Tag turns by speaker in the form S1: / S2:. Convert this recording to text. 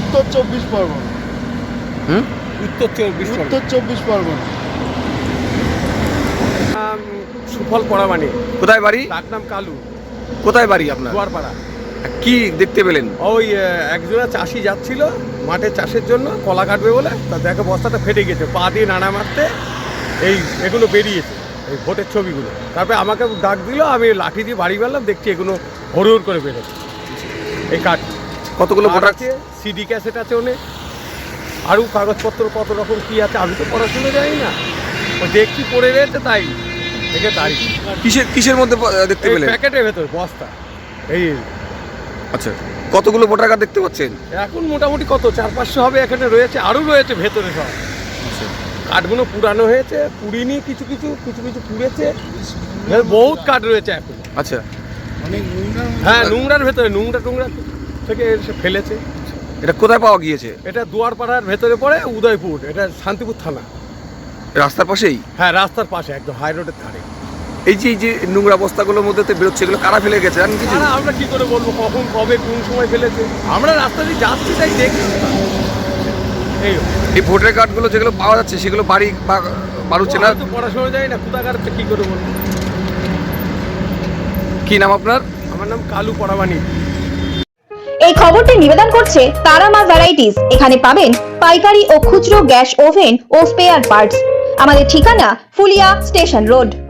S1: উত্তর 24 পরগনা।
S2: উত্তর 24
S1: পরগনা।
S2: সুফল পড়ামানি।
S3: কোথায় বাড়ি?
S2: তার নাম কালু।
S3: কোথায় বাড়ি আপনার?
S2: দুয়ারপাড়া।
S3: কি দেখতে পেলেন?
S2: ওই একজোড়া চাষি যাচ্ছিল মাঠে চাষের জন্য, কলা কাটবে বলে, তা দেখে বস্তাটা ফেটে গেছে, পা দিয়ে নাড়া মারতে এগুলো বেরিয়েছে, এই ভোটের ছবিগুলো। তারপরে আমাকে ডাক দিল, আমি লাঠি দিয়ে বাড়ি গেলাম, দেখছি এগুলো হরুর করে বেরোচ্ছে। এই কাঠ
S3: কতগুলো ভোটার
S2: আছে, সিডি ক্যাসেট আছে অনেক, আরও কাগজপত্র কত রকম কী আছে, আমি তো পড়াশুনো জানি না, ওই দেখছি পড়ে রয়েছে, তাই দেখে তারিখ।
S3: কিসের মধ্যে দেখতে পেলেন?
S2: প্যাকেটের ভেতর বস্তা। এই
S3: আচ্ছা, কতগুলো ভোটার কার্ড দেখতে পাচ্ছেন?
S2: এখন মোটামুটি কত 400-500 হবে, এখানে রয়েছে, আরও রয়েছে ভেতরে সব। কাঠগুলো পুরানো হয়েছে, পুড়িনি, কিছু কিছু পুড়েছে, বহুত কাঠ রয়েছে এখন।
S3: আচ্ছা,
S2: হ্যাঁ, নোংরার ভেতরে, নোংরা থেকে এসে ফেলেছে।
S3: এটা কোথায় পাওয়া গিয়েছে?
S2: এটা দুয়ারপাড়ার ভেতরে পড়ে, উদয়পুর, এটা শান্তিপুর থানা।
S3: রাস্তার পাশেই?
S2: হ্যাঁ, রাস্তার পাশে, একদম হাই রোডের ধারে।
S3: এই যে নোংরা বস্তাগুলোর মধ্যে বেরোচ্ছে, এগুলো কারা ফেলে গেছে জানেন কিছু?
S2: আমরা কি করে বলবো কখন, কবে, কোন সময় ফেলেছে? আমরা রাস্তা দিয়ে যাচ্ছি, তাই দেখছি।
S3: এই ভোটার কার্ডগুলো যেগুলো পাওয়া যাচ্ছে সেগুলো বাড়ি বাড়ুচ্ছে না?
S2: পড়াশোনা যায় না, কোথাকার কি করে বলবো।
S3: কি নাম আপনার?
S2: আমার নাম কালু পড়ামানি।
S4: এই খবরটি নিবেদন করছে তারামা ভ্যারাইটিস। এখানে পাবেন পাইকারি ও খুচরো গ্যাস ওভেন ও স্পেয়ার পার্টস। আমাদের ঠিকানা ফুলিয়া স্টেশন রোড।